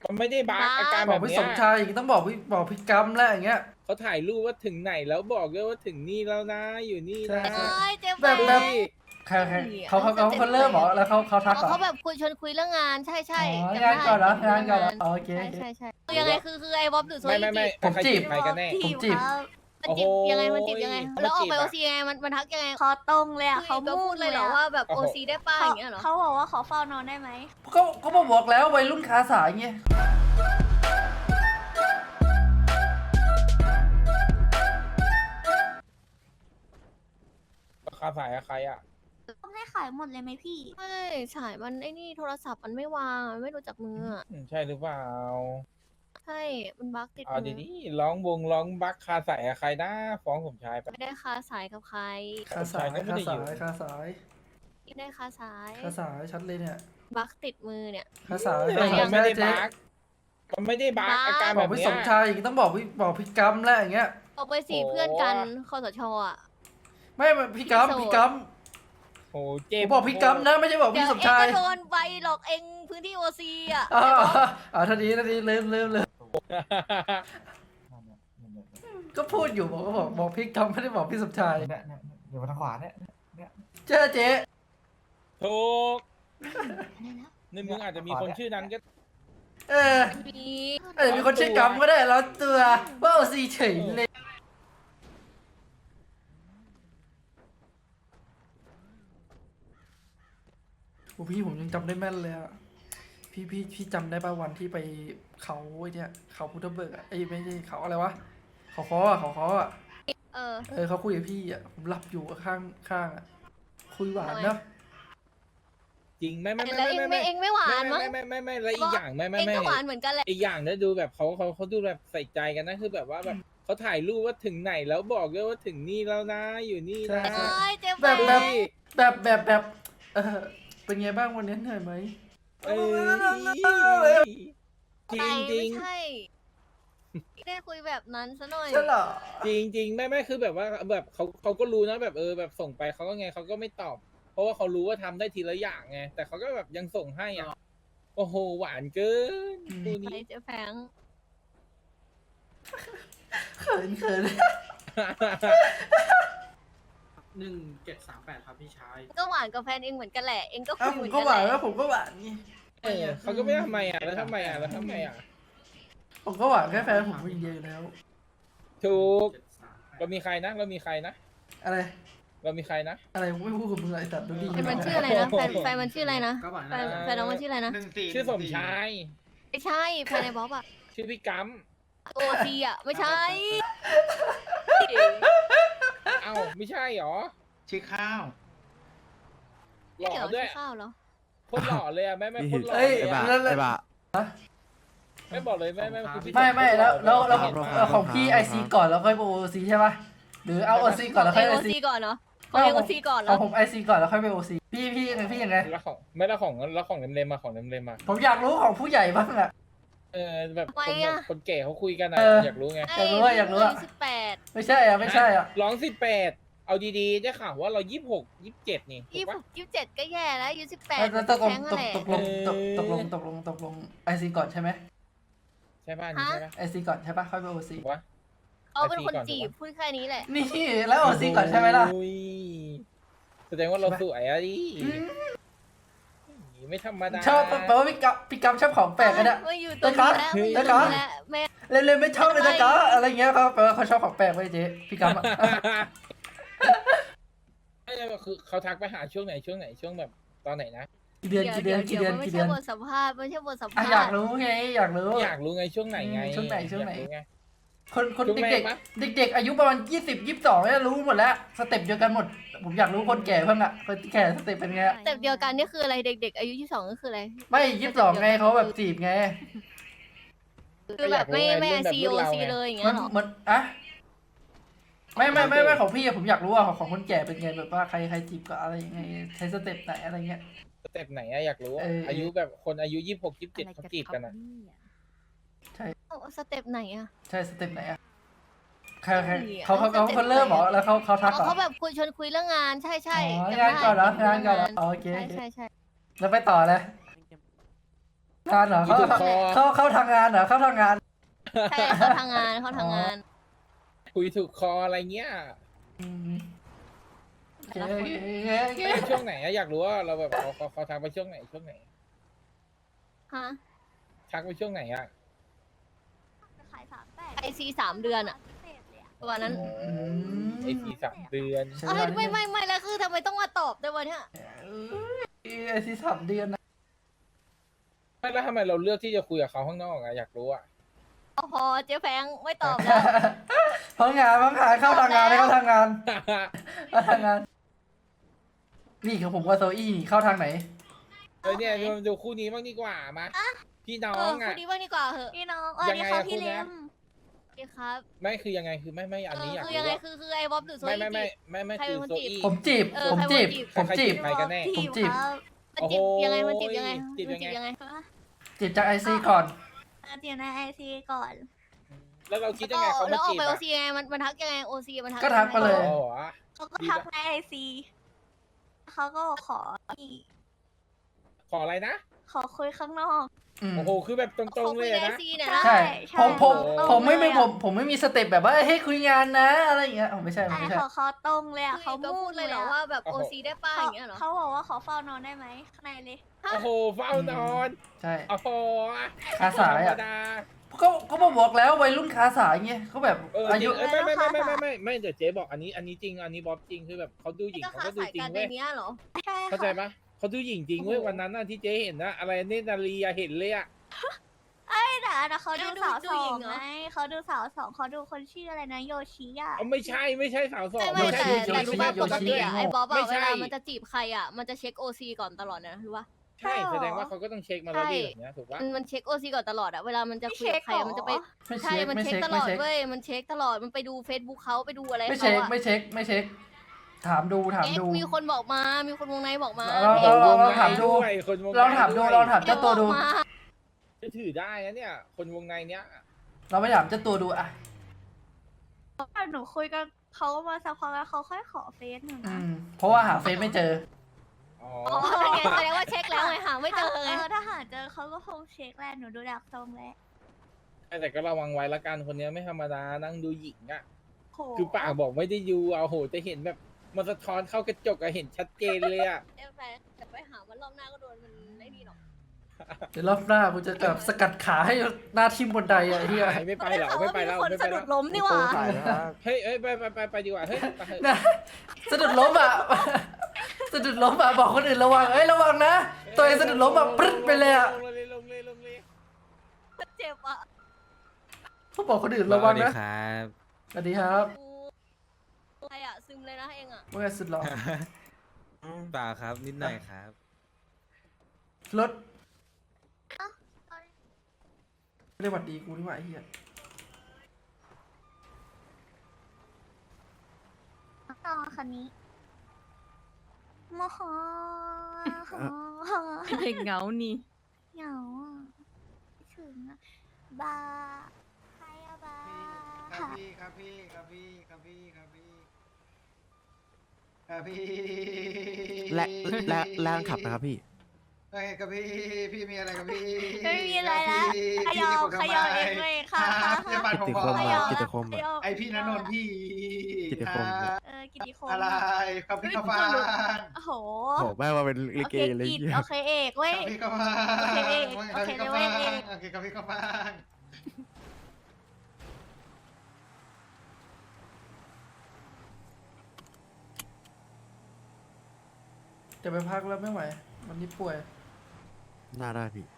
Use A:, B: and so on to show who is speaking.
A: มันไม่ได้บั๊กอาการ
B: บ
A: แบอก บ
B: พี่
A: เนี้
B: ส
A: ย
B: มชายอย่างนี้ต้องบอกพี่กัมแล้วอย่างเงี้ย
A: เขาถ่ายรูปว่าถึงไหนแล้วบอกด้วยว่าถึงนี่แล้วนะอยู่นี่
B: ใช่
A: นะ
B: ใช่
C: เจ๊
B: แบบ
A: ดู
B: แบบ
A: ดิ
B: ใครเขาเริ่มเหรอแล้วเขาทักเหรอ
C: เขาแบบชวนคุยเรื่องงานใช่ใช่
B: อ๋อ
C: จำได้
B: งานก่อนเหรองานก่อนเหรออ๋อโอเค
C: ใช่ใช่คือยังไงคือไอ้บ๊อบหรือโซ
A: ไม่
B: ผมจีบ
A: ใครกันแน่
B: ผมจีบ
C: มันจีบยังไงมันจีบยังไง
A: โอ้โห
C: แล้วออกไป
A: มัน
C: โอ
A: จีบอะ
C: ซียังไงมันทักยังไง
D: คอตรงเลยอ่ะ
C: เขา
D: เขา
C: พู
D: พู
C: ด
D: ด
C: เล
D: เลย ย
C: เหรอ
D: อะ
C: ว่าแบบโอซีได้ป้าอย่างเงี้ยเหรอ
D: เขาบอกว่าขอเฝ้านอนได้ไหม
B: เขาบอกแล้ววัยรุ่นคาสายไง
A: คาสายกับใครอ่ะ
D: ต้องให้ขายหมดเลยไหมพี่
C: ไม่ฉายมันไอ้นี่โทรศัพท์มันไม่วางมันไม่รู้จักมืออะ
A: ใช่หรือเปล่า
C: ใช่มันบั๊กติด
A: เอา
C: มือ
A: ดีๆร้องบั๊กคาสายกับใครนะฟ้องผมชายไป
C: ไม่ได้คาสายกับใคร
B: คาสาย
A: ก็ไม่
B: คา
A: ได้
B: สา
A: อยู่
B: ยคาสาย
C: ไม่ได้คาสาย
B: คาสายชัดเลยเนี่ย
C: บั๊กติดมือเนี่ย
B: คาสาย
A: มัน
B: คาสาย
A: ไม่ได้
B: เจ๊
A: บั๊กมันไม่ได้บั๊กอาการ
B: บ
A: แบอก บ
B: พี่
A: เนี้
B: ส
A: ย
B: มชายอย่างนี้ต้องบอกพี่กัมแล้วอย่างเงี้ย
C: ออกไปสี่เพื่อนกันคอสชอ่ะ
B: ไม่พี่กัม
A: โอ้
B: ผ
A: เจ็บ
B: มบอกพี่กัมนะไม่ใช่บอก
C: เดี๋ย
B: พี่
C: ว
B: สม
C: เอง
B: ชาย
C: ก็โดนใบหลอกเองพื้นที่โอซีอ่ะ
B: ท่านี้เริ่มก็พูดอยู่บอกพี่กัมไม่ได้บอกพี่สมชาย
E: เนี่ยเดี๋ยวมาทางขวาเนี่ย
B: เจ้าเจ๊
A: ถูกนี่มึงอาจจะมีคนชื่อนั้นก็
B: เออ
C: มี
B: อาจจะมีคนชื่อกัมก็ได้แล้วตัวว่าเอาซีเฉยเลยโอ้พี่ผมยังจำได้แม่นเลยอะพี่จำได้ป่ะวันที่ไปเขาไอ้เนี่ยเขาพุทธเบิกอะไอ้ไม่ใช่เขาอะไรวะเขาคออะ
C: เออ
B: เขาคุยกับพี่อะผมหลับอยู่ข้างอะคุยหวานเนาะ
A: จริงไม่
C: แล้วเองไม่หวานมั้ง
A: ไม่แล้วอีกอย่างไม่
C: เองก็หวานเหมือนกันแหละ
A: อีกอย่างนะดูแบบเขาดูแบบใส่ใจกันนะคือแบบว่าแบบเขาถ่ายรูปว่าถึงไหนแล้วบอกด้วยว่าถึงนี่แล้วนะอยู่นี่นะ
C: ใช่เจ๊
B: แบบ
C: แบ
B: แบบเป็นไงบ้างวันนี้เหนื่อยไหม
A: เอ้ยจริงจริง
C: ไม่ใช่ไม่ได้คุยแบบนั้นซะหน่อย
B: ใช่เหรอ
A: จริงไม่คือแบบว่าแบบเขาก็รู้นะแบบแบบส่งไปเขาก็ไงเขาก็ไม่ตอบ เพราะว่าเขารู้ว่าทำได้ทีละอย่างไงแต่เขาก็แบบยังส่งให้อ่ะโอ้โหหวานเกินคู่
C: ไป
A: นี้
C: เจ๊แฟง
B: เขิน
E: 1738 ครับพี่ชาย
C: ก็หวานกับแฟนเองเหมือนกันแหละเองก็คุ
B: อ้าวย
C: เห
B: ผ
C: มื
B: ม
C: อน
B: ก็
C: กัน
B: หวาน
C: แห
B: แล้
C: ละ
B: วผมก็หวานนี่
A: เขาก็ไม่ทำไมอ่ะแล้วทำไมอ่ะ
B: ผมก็หวานแค่แฟนผมคนเดียวอยู่แล้ว
A: ถูกเรามีใครนะ
B: อะไร
A: เรามีใครนะ
B: อะไรผมไม่พูดกับมึงเลยแต่ดูดี
C: แฟนมันชื่ออะไรนะแฟนมันชื่ออะไรนะแฟนน้องมันชื่ออะไรนะ
A: ชื่อสมชาย
C: ไม่ใช่แฟนในบ๊อบอะ
A: ชื่อพี่กัม
C: โอซีอะไม่ใช่
A: เอ้าไม่ใช่หรอ
E: ชื่อข้าว
A: หล่อด้วย
C: ข้าวเหรอ
A: โคตรหล่อเลยอ่ะแม่โคตรหล่อ
B: เอ้ย
A: เลย
B: แล้ว
A: ไม่บอกเลยแม่คือพี่
B: ไม่แล้วของพี่ไอซีก่อนแล้วค่อยไปโอซีใช่ป่ะหรือเอาโอซีก่อนแล้วค่อย
C: โอ
B: ไอซี
C: ซีก่อนเนาะของโอซีก่อนเหร
B: เอา
C: อ
B: ผมไอซีก่อนแล้วค่อยไปโอซีพี่ยังไง
A: แล้วของไม่แล้วของเล็มๆมาของเล็มๆมา
B: ผมอยากรู้ของผู้ใหญ่บ้างอะ
A: แบบคนแก่เขาคุยกันอ่ะอยากรู้ไง
B: อยากรู้อะ
C: 18
B: ไม่ใช่อ่ะ
A: ร้อง18เอาดีๆได้ข่าวว่าเรา26 27นี่ถูกปะ
C: 27ก็แย่แล้วอายุ18
B: แล้วตก
C: แท้งนั่นแหละ
B: ลงไอซีก่อนใช่ไหม
A: ใช่ป่ะนี่ใช่ป่ะ
B: ไอซีก่อนใช่ป่ะค่อยไปโอซี
A: ถูกปะ
C: เขาเป็นคนจีบพูดแค่นี้แหละ
B: นี่แล้วโอซีก่อนใช่ไหมล่ะ
A: อุ้ยแสดงว่าเราสวยอะดิไม่ธรรมดา
B: ชอบแปลว่าพี่กัมชอบของแปลกกันอะ
C: ไม่อยู่ตรงนี้แล้วไม่อยู่ตรงนี้แล้วแม่
B: เล่นไม่ชอบเลยนะจ๊ะอะไรเงี้ยเขาแปลว่าเขาชอบของแปลกไว้เจ๊พี่กัมอะ
A: ไม่ใช่คือเขาทักไปหาช่วงไหนช่วงแบบตอนไหนนะ
B: กี่เดือน
C: ไม่ใช่บทสัมภาษณ์ไม่ใช่บทสัม
B: อ่ะ
C: ภาษณ์
B: อยากรู้ไงอยากรู้
A: อยากรู้ไงช่วงไหนไง
B: ช่วงไหน
A: อยากรู้ไง
B: คน
A: ช่วงแร
B: เด็
A: ก
B: ก
A: ปะ
B: ๆเด็กๆอายุประมาณ20-22เนี่ยรู้หมดแล้วสเต็ปเดียวกันหมด ผมอยากรู้คนแก่เพิ่งอะคนแก่สเต็ปเป็นไง
C: แต่เดียวกันนี่คืออะไรเด็กๆอายุ22ก็คืออะไร
B: ไม่22ไงเขาแบบจีบไง
C: คือแบบไม่COC เลยอย่างเงี้ยหรอ
B: เหมือนอะไม่ของพี่อะผมอยากรู้อะของคนแก่เป็นไงแบบว่าใครจีบก็อะไรยังไงใช้สเต็ปไหนอะไรเงี้ย
A: สเต็ปไหนอะอยากรู้อะอายุแบบคนอายุ26 27เขาจีบกันอะ
C: สเต็ปไหนอะ
B: ใช่สเต็ปไหนอะใครเขาเริ่มเหรอแล้วเขาทักเหรอ
C: เขาแบบชวนคุยเรื่องงานใช่ใช่
B: งานก่อนเหรองานก่อนเหรอโอเค
C: ใช่
B: แล้วไปต่อเลยงานเหรอ
A: คุยถูกคอ
B: เข้าทางงานเหรอเข้าทางงาน
C: ใช่เขาทำงานเขาทำงาน
A: คุยถูกคออะไรเงี้ย
B: อืมโอเค
A: ไม่ช่วงไหนอะอยากรู้ว่าเราแบบเขาทักไปช่วงไหน
C: ฮะ
A: ทักไปช่วงไหนอะ
D: จะขาย38
C: ไอซี3 เดือนอะ
D: พิเศษเลยอะ
C: ประมาณนั้น
A: ไอที3 เดือน
B: ใช่
C: เอ้ยไม่แล้วคือทำไมต้องมาตอบด้วยวะเนี่ย
B: ไอซี3 เดือนนะ
A: ไม่แล้วทำไมเราเลือกที่จะคุยกับเขาข้างนอกอะอยากรู้อะ
C: พอเจ๊แฟงไม่ตอบแล้ว
B: พังงานเข้าทางงานเข้าทางงานเข้าทางงานนี่ของผมกับโซอี้เข้าทางไหน
A: เนี่ยดูคู่นี้บ้างดีกว่ามาพี่น้อ
C: เออง
A: อะ
C: คนนี้ว่านี่กว่าเหอะ
D: พี่น้อง
A: ยังไง
D: ค่ะ
A: อะ
D: พี่
A: คุณ
D: เล
A: นะ
D: ม
C: ดีครับ
A: ไม่คือยังไงคือไม่อันนี้อยาก
C: คือ
A: รู้
C: ยังไง
A: ว่า
C: คือไอ้บ๊อบหรือโซ
A: ไม่
C: อี้จีบ ใคร
A: คื
C: เป็
A: อน
C: คน
A: โซ
C: จีบ
A: อี้
B: ผมจีบ
C: เออ
B: ผมจีบ
C: ใคร
B: ผมจีบ
A: ใครกันแน่
B: ผมจีบ
D: ครับ
C: มันจีบยังไงมันจีบยังไง
A: จีบ
C: มัน
A: ยังไง
C: จีบยังไง
B: จีบจากไอซีก่อน
D: เดี๋ยวในไอซีก่อน
A: แล้วเราคิดยังไงเขา
C: แล้
A: มาว
C: ออก
A: จีบ
C: ไปโอ
A: อะ
C: ซียังไงมันทักยังไงโอซีมันทัก
B: ก็ทักมาเลย
A: อ๋อ
D: เขาก็ทักในไอซีเขาก็บอกขอนี่
A: ขออะไรนะ
D: ขอคุยข้างนอก
B: อืม
A: โอ้โหคือแบบตรงๆเลย
C: ใน
A: อะนะ
C: ซีเนี่ยนะ
B: ใช่
D: ใช่
B: ผมไม่มี
D: ตรงเลยอะ
B: ผมไม่มีสเต็ปแบบว่าเฮ้ยคุยงานนะอะไรอย่างเงี้ยไม่ใช่
D: ไอ
B: ไม่ใช่
D: เขาตรงเลยอะ
C: เขา
D: เขา
C: ก็พูดเลยเหรอว่าแบบโอซีได้ป้าอย่างเงี้ยเหรอ
D: เขาบอกว่าขอเฝ้านอนได้ไหมข้างในเลย
A: โอ้โหเฝ้านอน
B: ใช่
A: โอ้โห
B: คาสาย
A: ธร
B: อ่ะ
A: รมดา
B: ก็มาบอกแล้ววัยรุ่นคาสายเงี้ยเขาแบบ
A: อายุ
B: อายุ
A: ไม่เดี๋ยวเจ๊บอกอันนี้จริงอันนี้บ๊อบจริงคือแบบเขาดูหญิง
C: ก็
A: เขา
C: ค้า
A: ก็ดู
C: สาย
A: จริง
C: กันใน
A: เว้ย
C: เนี้ยเหรอ
D: ใช่
A: เข้าใจ
D: ค่ะ
A: ปะเขาดูหญิงจริงเว้ยวันนั้นน่ะที่เจ๊เห็นนะอะไรเนตรนารีอะเห็นเลยอะ
D: แต่เขาดูสาว
C: ดู
D: สอ
C: หญิ
D: ง
C: งเหรอ
D: ไงเขาดูสาวสองเขาดูคนชื่ออะไรนะโยชิอะ
A: เอาไม่ใช่สาวสอง
C: ไม่
A: ใช่
C: แต่รู้ป่ะปกติอะไอ้บ๊อบ
A: ไม่
C: อะ
A: ใช่
C: เวลามันจะจีบใครอะมันจะเช็คโอซีก่อนตลอดนะรู้ป่ะ
A: ใช่แสดงว่าเขาก็ต้องเช็คมาแล้วดีแบบเนี้ยถูกปะ
C: มันเช็คโอซีก่อนตลอดอะเวลามันจะคุยกับใครอะมันจะไป
B: ไม่
C: ใช่
B: เช็ค
C: มัน
B: ไม่
C: เช็ค
B: เช็ค
C: ตล
B: ไม่
C: อด
B: เช็ค
C: เว้ยมันเช็คตลอดมันไปดู Facebook เขาไปดูอะไร
B: ไม่
C: เขา
B: เช็ค
C: อะ
B: ไม่เช็คถามดู
C: มีคนบอกมามีคนวงในบอกมา
B: ลองถามดู
A: วยคนวงใน
B: ลองถามดู
A: ด้วย
B: ลองถามเจ้าตัวดู
C: บอกมา
A: จะถือได้นะเนี่ย คนวงในเนี้ย
B: เราไปถามเจ้าตัวดูอ่ะ
D: หนูคุยกับเขามาสักพักแล้วเขาค่อยขอเฟซหนู
B: อื
D: นะ
B: มเพราะว่าหาเฟซไม่เจอ
A: อ๋อ
C: อ๋อนั่นไงแสดงว่าเช็คแล้วไงหาไม่เจอไง
D: ถ้าหาเจอเขาก็คงเช็คแหละหนูดูดักทรงแล้ว
A: แต่ก็ระวังไว้ละกันคนเนี้ยไม่ธรรมดานั่งดูหญิงอะ
D: โห
A: คือปากบอกไม่ได้ยูเอาโหจะเห็นแบบมันสะท้อนเข้ากระจกอะเห็นชัดเจนเลยอะ
C: เดี๋ยวไปหามันรอบหน้าก็โดนมันไม่ดีหรอก
B: เดี๋ยวรอบหน้ากูจะแบบสกัดขาให้หน้าทิ่มบนไดอ่ะเฮีย
A: ไม่ไปแล้วไม่ไปแล้ว
C: คน
A: ไม่ไป
C: สะดุ
A: แล้ว
C: ดล้มนี่หว่า
A: เฮ้ยไปดีกว่าเฮ้ยไปเถอะ
B: นะสะดุดล้มอ่ะ สะดุดล้มอ่ะบอกคนอื่นระวังระวังนะตัวเองสะดุดล้มอ่ะปรึ๊ดไปเลยอ่ะ
A: ลงเลย
C: เจ็บอ่ะ
B: เขาบอกคนอื่นระวังนะ
F: ครับ
B: สวัสดีครับ
C: อะไรอ่ะซึมเลยนะเองอ่ะ
B: ว่าไงสุดหล่อ
F: เปล่าครับนิดหน่อยครับ
B: รถไม่ได้หวัดดีกูนี่หว่าไอ้เฮีย
D: ต่อคันนี้โมโห
C: เด็กเหงานี่
D: เหงาอ่ะถึงอ่ะบาใครอะบา
E: ครับพี่
F: และขับนะครับพี่
E: ไอ้ครับพี่มีอะไรกับพี่
D: ไม่มีอะไรนะขยอเองเลยค่ะ
E: จะปัดผมก่อน
F: กิตติคมอะกิตติคมอะ
E: ไอพี่ณนนท์พี่
F: กิตติคม
D: กิตติคม
E: อะไรครับพี่กาฟาน
D: โอ้โห
F: โหแม่ว่าเป็นลิ
D: โอ
F: เก
D: เค
F: เลย
D: กิจ
F: เหี้ย
D: โอเคเอกเว้ย
E: ครับพี่กาฟาน
D: โอเคเอก
E: ครับพี่กา
D: โอ
E: ฟา
D: เคเอก
E: นโอเคครับพี่กาฟาน
B: จะไปพักแล้วไม่ไหววันนี้ป่วย
F: น่าได้พี่